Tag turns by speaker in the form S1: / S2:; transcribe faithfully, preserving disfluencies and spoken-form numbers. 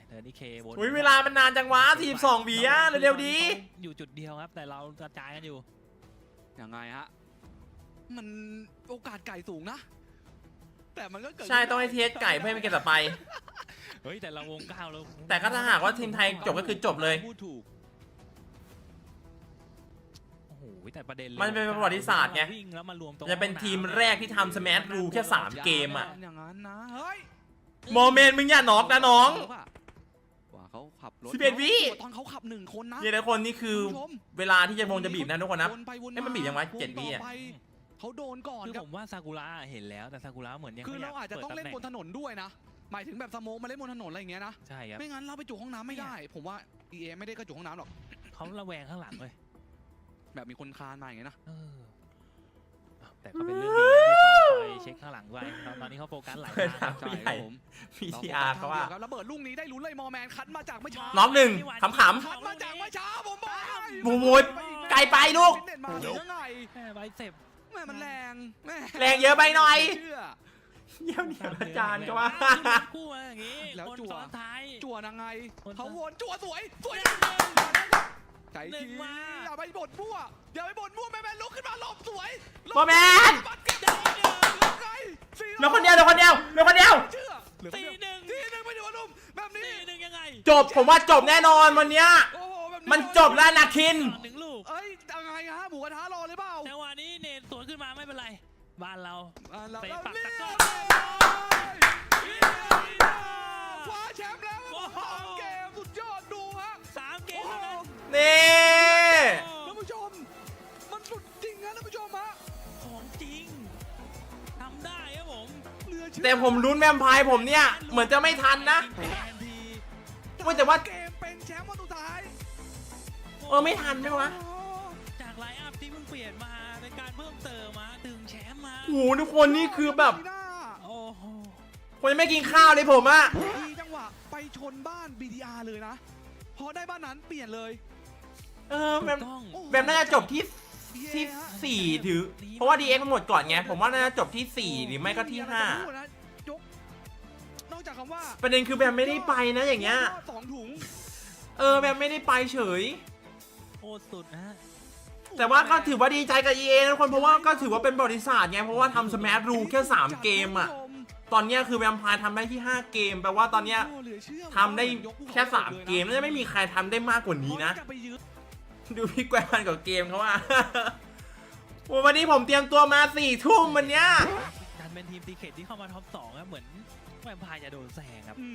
S1: เดินที่เควน
S2: อุ้ยเวลามันนานจังวะทีมสองบีอะเร็วๆดี
S1: อยู่จุดเดียวครับแต่เรากระจายกันอยู่
S3: ยังไงฮะมันโอกาสไก่สูงนะแต่มันก็เกิด
S2: ใช่ต้องให้เทสไก่เพื่อให้มันเก็บต่อไป
S1: เฮ้ยแต่เราวงเก้าแล้ว
S2: แต่ก็ถ้าหากว่าทีมไทยจบก็คือจบเลย
S3: พูดถูก
S1: โอ้โหแต่ประเด็น
S2: มันเป็นประวัติศาสตร์ไงจะเป็นทีมแรกที่ทำสแมชรูแค่สามเกมอ่ะ
S3: อย่างนั้นนะเฮ้ย
S2: โมเมนต์มึงอย่าน็อกนะน้อง
S3: ว่าเขาขับรถ
S2: สิบเอ็ดวิ
S3: ตอนเขาขับหนึ่งคนนะ
S2: เนี่ยทุกคนนี่คือเวลาที่จะวงจะบีบนะทุกคนนะไอ้มันบีบยังไงเจ็ดวิอ่ะ
S3: เขาโดนก่อน
S1: คือผมว่าซากุระเห็นแล้วแต่ซากุระเหมือนยัง
S3: คือเราอาจจะต้องเล่นบนถนนด้วยนะหมายถึงแบบสโมกมาเล่นบนถนนอะไรอย่างเงี้ยนะ
S1: ใช่ครับ
S3: ไม่งั้นเราไปจุห้องน้ำไม่ได้ผมว่า อี เอ ไม่ได้กระจุห้องน้ำหรอก
S1: เขาระแวงข้างหลังเลย
S3: แบบมีคนคานมาอย่างเงี้ยนะ
S1: แต่ก็เป็นเรื่องดีที่เขาคอยเช็คข้างหลังไว้ตอนนี้เขาโฟกัสหลายทาง
S2: ใช่ครับผมพีทีอาร์เขาว่า
S3: ระเบิดลูกนี้ได้ลุ้นเลยมอแมนคัดมาจากไม่ช้า
S2: น้องหนึ่งขำ
S3: คัดมาจากไม่ช้าผมบอก
S2: บูบูดไกลไปลูก
S3: แม่ใบเสพแม่มันแรงแม่
S2: แรงเยอะไปหน่อยเยี่ยมเนี่ยอาจารย์ก็ว่า
S1: คู่อย่างงี้
S3: แล้วจั่ว
S1: ท้าย
S3: จั่วยังไงเขาวนจั่วสวยสวยใจจริงอย่าไปบ่นมั่วอย่าไปบ่นมั่วแม่แม่ลุกขึ้นมาหลบสวย
S2: โมแมนเหลือคนเดียวเหลือคนเดียวเหลือคนเดียว
S1: สี่หนึ่ง
S3: สี่หนึ่งไปดูนุ่มแบบนี้
S1: สี่หนึ่งยังไง
S2: จบผมว่าจบแน่นอนวันเนี้ยมันจบแล้วนาคิน
S1: หนึ่งลูก
S3: เอ้ยยังไงฮะหมูกระทะรอเลยเปล่า
S1: จังหวะนี้เนทสวนขึ้นมาไม่เป็นไรบ้านเรา
S3: เตะปักตะก้อคว้าแชมป์แล้วสามเกมสุดยอดดูฮะ
S1: สามเกม
S2: นี่
S3: ท่านผู้ชมมันสุดจริงนะท่านผู้ชมฮะ
S1: ของจริงทำได้ครับผม
S2: แต่ผมลุ้นแวมไพร์ผมเนี่ยเหมือนจะไม่ทันนะว่าแต่ว่า
S3: เกมเป็นแชมป์วันสุดท้าย
S2: เออไม่ทันใช่ไหม
S1: จากไลน์อัพที่เพิ่งเปลี่ยนมาเป็นการเพิ่มเติมมาดึงแชมป์มา
S2: โอ้โหทุกคนนี่คือแบบ
S1: โอ้โห
S2: คนยังไม่กินข้าวเลยผมอะ
S3: ดีจังหวะไปชนบ้าน บี ที อาร์ เลยนะพอได้บ้านนั้นเปลี่ยนเลย
S2: เออแบบแบบน่าจะจบที่ที่สี่ถือเพราะว่า ดี เอ็กซ์ มันหมดก่อนไงผมว่าน่าจะจบที่สี่หรือไม่ก็ที่ห้
S3: านอกจากคำว่า
S2: ประเด็นคือแบบไม่ได้ไปนะอย่างเงี้ย
S3: สองถุง
S2: เออแบบไม่ได้ไปเฉย
S1: โคตรสุดนะ
S2: แต่ว่าก็ถือว่าดีใจกับ อี เอ นะทุกคนเพราะว่าก็ถือว่าเป็นบริษัทไงเพราะว่าทำสแมชรูแค่สามเกมอะตอนนี้คือแวมไพร์ทำได้ที่ห้าเกมแปลว่าตอนนี้ทำได้แค่สามเกมน่าจะไม่มีใครทำได้มากกว่านี้นะดูพี่แกวนกับเกมเขาว่าวันนี้ผมเตรียมตัวมาสี่ทุ่มวันเนี้ย
S1: ดันเป็นทีมตีเขตที่เข้ามาท็อปสองครับเหมือนแวมไพร์จะโดนแซงครับ